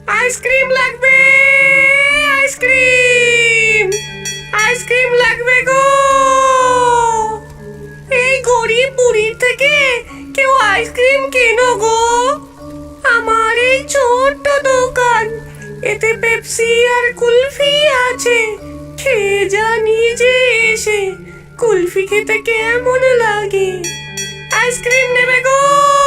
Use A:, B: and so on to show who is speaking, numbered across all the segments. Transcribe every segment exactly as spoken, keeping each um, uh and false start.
A: Ice cream লাগবে, ice cream ice cream লাগবে গো। এই গরিব বুড়ির থেকে কেউ আইসক্রিম কেনো গো। আমার এই ছোট্ট দোকান, এতে পেপসি আর কুলফি আছে। খেয়ে যা নিজে এসে, কুলফি খেতে কেমন লাগে। আইসক্রিম নেবে গো,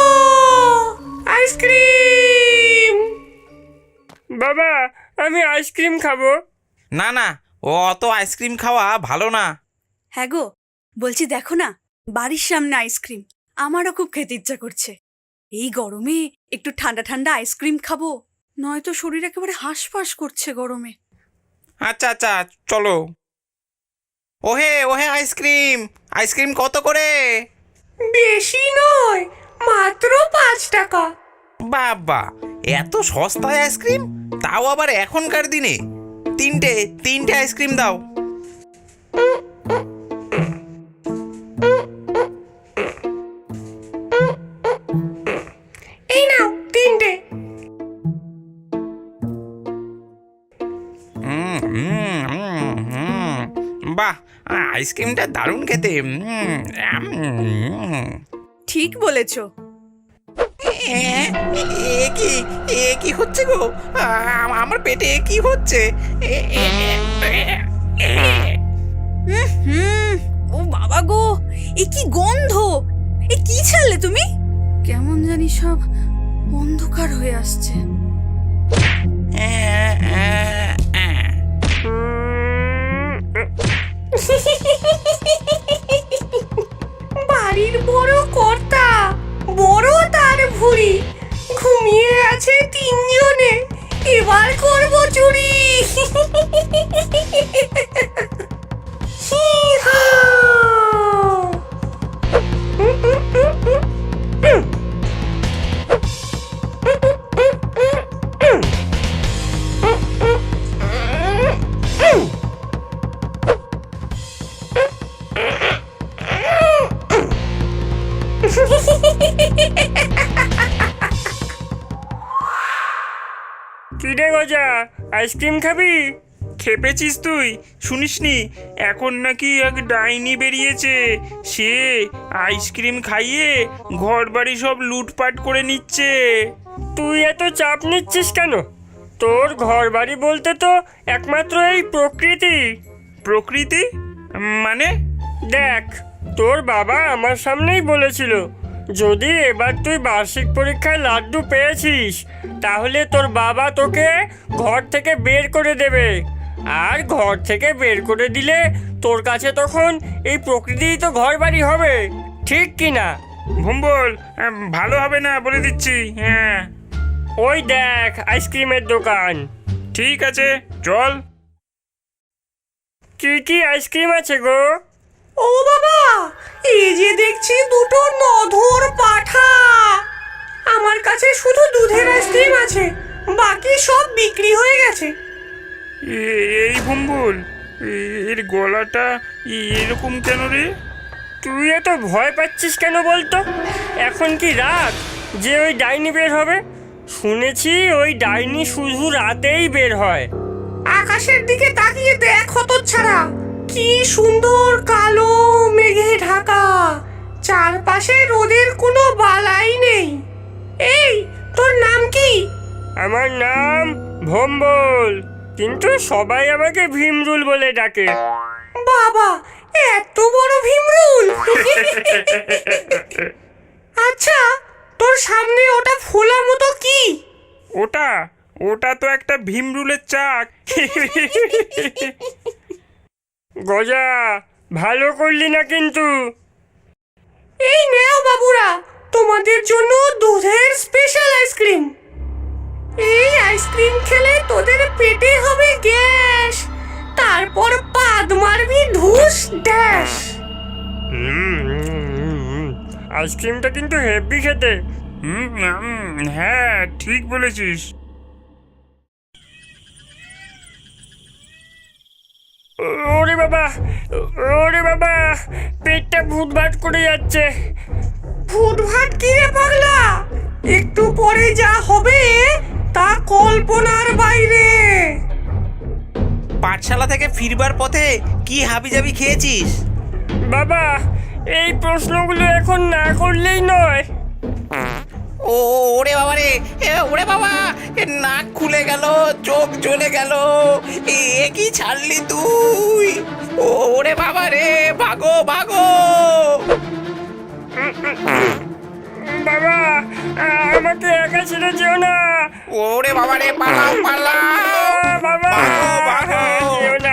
A: আইসক্রিম।
B: বাবা, আমি আইসক্রিম খাবো।
C: না না, ও অত আইসক্রিম খাওয়া ভালো না।
D: হ্যাঁ গো, বলছি দেখো না, বাড়ির সামনে আইসক্রিম। আমারও খুব খেতে ইচ্ছা করছে। এই গরমে একটু ঠান্ডা ঠান্ডা আইসক্রিম খাবো, নয়তো শরীর একেবারে হাঁসফাঁস করছে গরমে।
C: আচ্ছা আচ্ছা, চলো। ওহে ওহে, আইসক্রিম আইসক্রিম কত করে?
A: বেশি নয়, মাত্র পাঁচ টাকা।
C: বাবা, এত সস্তায় আইসক্রিম, তাও আবার এখনকার দিনে। তিনটে তিনটে আইসক্রিম দাও।
A: এই নাও তিনটে।
C: হুম হুম হুম হুম, বাহ, আইসক্রিমটা দারুণ খেতে। হুম, হুম।
D: ঠিক বলেছো।
C: এ এ কি এ কি হচ্ছে গো? আ- আমার পেটে কি হচ্ছে? এ- এ- এ- এ- এ-
D: হুম, ও বাবা গো, এ কি গন্ধ! এ কি ছাড়লে তুমি? কেমন জানি সব অন্ধকার হয়ে আসছে।
C: এ- এ- এ।
A: বাড়ির বড় কর্তা, বড় তার ভুঁড়ি, ঘুমিয়ে আছে তিনজনে। এবার করবো চুরি। হি-হা!
B: কি রে গজা, আইসক্রিম খাবি?
E: খেপেছিস তুই? শুনিসনি এখন নাকি এক ডাইনি বেরিয়েছে, সে আইসক্রিম খাইয়ে ঘর বাড়ি সব লুটপাট করে নিচ্ছে।
B: তুই এত চাপ নিচ্ছিস কেন? তোর ঘর বাড়ি বলতে তো একমাত্র এই প্রকৃতি।
E: প্রকৃতি মানে?
B: দেখ, তোর বাবা আমার সামনেই বলেছিল, যদি এবার তুই বার্ষিক পরীক্ষায় লাড্ডু পেয়েছিস, তাহলে তোর বাবা তোকে ঘর থেকে বের করে দেবে। আর ঘর থেকে বের করে দিলে তোর কাছে তখন এই প্রকৃতিই তো ঘর বাড়ি হবে, ঠিক কি না?
E: ভুম্বল, আহ, ভালো হবে না বলে দিচ্ছি। হ্যাঁ
B: ওই দেখ আইসক্রিমের দোকান।
E: ঠিক আছে, চল।
B: কি কি আইসক্রিম আছে গো?
A: ও বাবা, এই যে দেখছি দুটো নধর পাঠা। আমার কাছে শুধু দুধের আইসক্রিম আছে, বাকি সব বিক্রি হয়ে গেছে।
E: এ- এই ভুম্বল, এর গলাটা এরকম কেন রে?
B: তুই এত ভয় পাচ্ছিস কেন বলতো? এখন কি রাত যে ওই ডাইনি বের হবে? শুনেছি ওই ডাইনি শুধু রাতেই বের হয়।
A: আকাশের দিকে তাকিয়ে দেখ হতচ্ছাড়া, কি সুন্দর কালো মেঘে ঢাকা। চারপাশে রোদের কোনো বালাই নেই। এই, তোর নাম কি?
B: আমার নাম ভম্বল, কিন্তু সবাই আমাকে ভীমরুল বলে ডাকে।
A: বাবা, এত বড় ভীমরুল! আচ্ছা, তোর সামনে ওটা ফোলা মতো কি?
E: ওটা ওটা তো একটা ভীমরুলের চাক।
B: গজা, ভালো করলি না কিন্তু।
A: এই নেও বাবুরা, তোমাদের জন্য দুধের স্পেশাল আইসক্রিম। এই আইসক্রিম খেলে তোদের পেটে হবে গ্যাস, তারপর পাদ মারবি ঢুস ড্যাশ।
B: আইসক্রিমটা কিন্তু হেভি খেতে।
E: হুম, হুম, হ্যাঁ ঠিক বলেছিস।
B: ওরে বাবা, ওরে বাবা, পেটটা ভুটভাট করে যাচ্ছে।
A: ভুটভাট কি রে পাগলা? একটু পরে যা হবে তা কল্পনা
C: পাঠশালা থেকে ফিরবার পথে কি হাবিজাবি খেয়েছিস?
B: বাবা, এই প্রশ্নগুলো এখন না করলেই নয়।
C: ও ওরে বাবা রে, এ, ওরে বাবা, এ নাক খুলে গেল, চোখ জ্বলে গেল, এ কি ছাড়লি তুই? ও ওরে বাবা রে, ভাগো ভাগো।
B: বাবা, আমাকে একা ছেড়ে যেও না।
C: ওরে বাবা রে, পালাও পালাও।
B: বাবা,
C: ভাগো, ভাগো।
B: যেও না।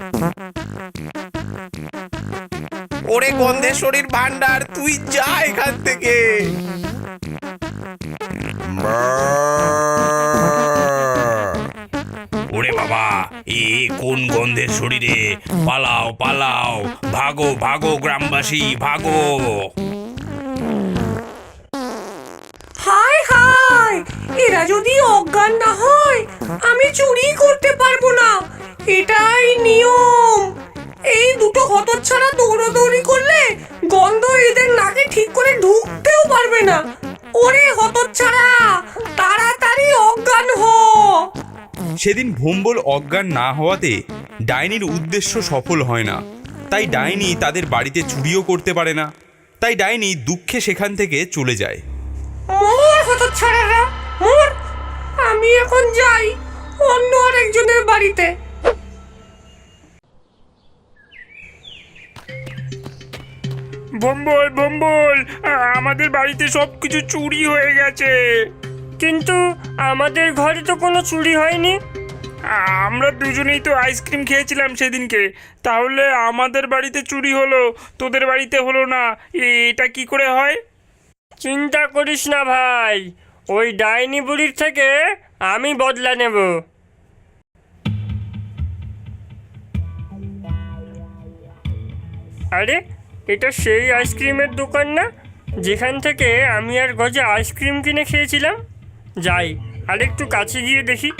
C: ওরে গন্ধেশ্বরীর ভান্ডার, তুই যা এখান থেকে।
F: ওরে বাবা, এ কোন গন্ধের শরীরে? পালাও পালাও, ভাগো ভাগো গ্রামবাসী, ভাগো।
A: হায় হায়, এরা যদি অজ্ঞান না হয় আমি চুরি করতে পারবো না, এটাই নিয়ম। এই দুটো হতচ্ছাড়া দৌড়াদৌড়ি করলে গন্ধ এদের নাকে ঠিক করে ঢুকতেও পারবে না। ওরে হতচ্ছাড়া, তাড়াতাড়ি অজ্ঞান হ।
G: সেদিন ভোম্বল অজ্ঞান না হওয়াতে ডাইনির উদ্দেশ্য সফল হয় না। তাই ডাইনি তাদের বাড়িতে চুরিও করতে পারে না। তাই ডাইনি দুঃখে সেখান থেকে চলে যায়।
A: মোর হতচ্ছাড়ারা মোর, আমি এখন যাই অন্য আরেকজনের বাড়িতে।
E: ভম্বল ভম্বল, আমাদের বাড়িতে সব কিছু চুরি হয়ে গেছে।
B: কিন্তু আমাদের ঘরে তো কোনো চুরি হয়নি।
E: আমরা দুজনেই তো আইসক্রিম খেয়েছিলাম সেদিনকে, তাহলে আমাদের বাড়িতে চুরি হলো, তোদের বাড়িতে হলো না, এটা কি করে হয়?
B: চিন্তা করিস না ভাই, ওই ডাইনি বুড়ির থেকে আমি বদলা নেব। আরে, এটা সেই আইসক্রিমের দোকান না যেখান থেকে আমি আর গজা আইসক্রিম কিনে খেয়েছিলাম? যাই, আরেকটু কাছে গিয়ে দেখি।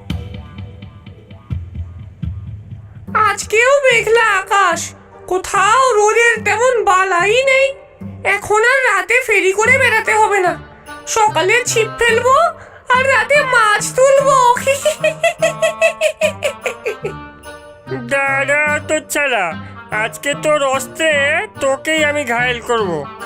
A: আজকেও মেঘলা আকাশ, কোথাও রোদের তেমন বালাই নেই। এখন আর রাতে ফেরি করে বেড়াতে হবে না, সকালে ছিপ ফেলবো আর রাতে মাছ তুলবো।
B: দাদা তো ছাড়া, আজকে তোর অস্ত্রে তোকেই আমি ঘায়েল করব।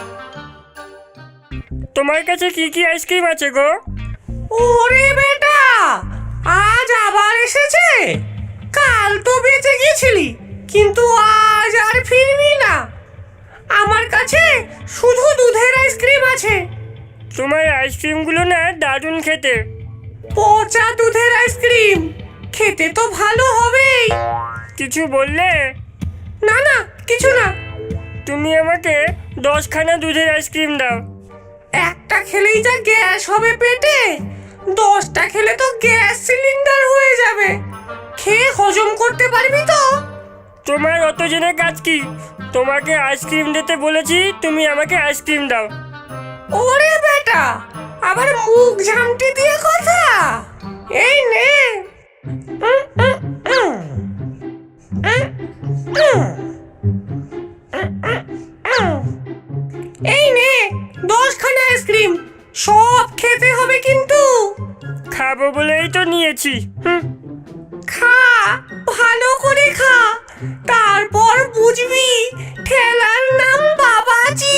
B: তোমার কাছে কি কি আইসক্রিম আছে গো?
A: ওরে বেটা, আজ আবার এসেছে? কাল তো বেঁচে গেছিলি, কিন্তু আজ আর ফিরবি না। আমার কাছে শুধু দুধের আইসক্রিম আছে।
B: তোমার আইসক্রিমগুলো না দারুণ খেতে।
A: পচা দুধের আইসক্রিম, খেতে তো ভালো হবেই।
B: কিছু বললে?
A: না না, কিছু না।
B: তুমি আমাকে দশখানা দুধের আইসক্রিম দাও।
A: একটা খেলেই যা গ্যাস হবে পেটে, দশটা খেলে তো গ্যাস সিলিন্ডার হয়ে যাবে। খেয়ে হজম করতে পারবি তো?
B: তোমার অত জেনে কাজ কি? তোমাকে আইসক্রিম দিতে বলেছি, তুমি আমাকে আইসক্রিম দাও।
A: ওরে বেটা, আবার মুখ ঝামটি দিয়ে কথা। এই নে। উম, উম, উম। উম, উম। উম, উম, উম। এই নে দশখানা আইসক্রিম, সব খেতে হবে কিন্তু।
B: খাবো বলেই তো নিয়েছি। হুম।
A: খা, ভালো করে খা, তারপর বুঝবি ঠেলার নাম বাবাজি।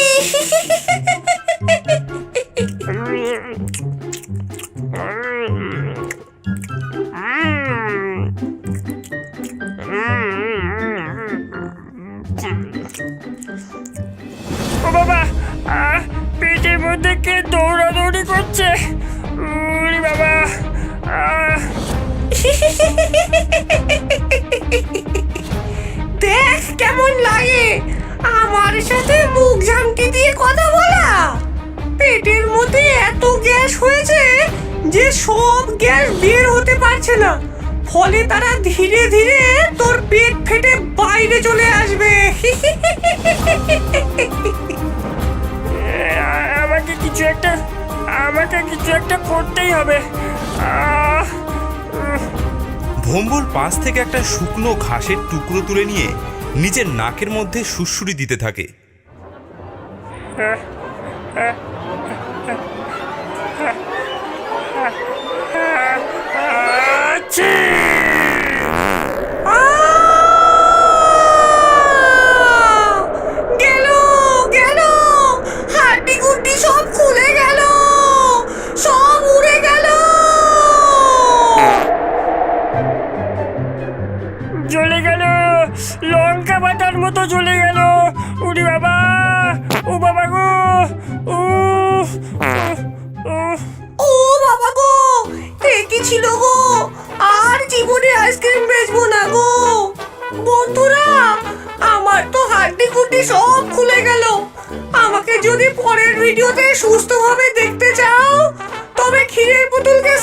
B: ও বাবা, আহ, পেটের মধ্যে কে দৌড়াদৌড়ি করছে? উরি বাবা, আহ।
A: দেখ কেমন লাগে আমার সাথে মুখ ঝামটি দিয়ে কথা বলা। পেটের মধ্যে এত গ্যাস হয়েছে যে সব গ্যাস বের হতে পারছে না, ফলে তারা ধীরে ধীরে তোর পেট ফেটে বাইরে চলে আসবে।
B: আমাকে কিছু একটা আমাকে কিছু একটা করতেই হবে। আহ, উহ।
G: ভোম্বল পাশ থেকে একটা শুকনো ঘাসের টুকরো তুলে নিয়ে নিজের নাকের মধ্যে সুড়সুড়ি দিতে থাকে।
B: আচ্ছা।
A: আহ!
B: তো চলে গেল। উরি বাবা, ও বাবা গো, ও
A: ও বাবা গো, এ কি ছিল গো? আর জীবনে আইসক্রিম বেচবো না গো। বন্ধুরা, আমার তো হাড্ডি গুড্ডি সব খুলে গেল। আমাকে যদি পরের ভিডিওতে সুস্থভাবে দেখতে চাও তবে ক্ষীরের পুতুলকে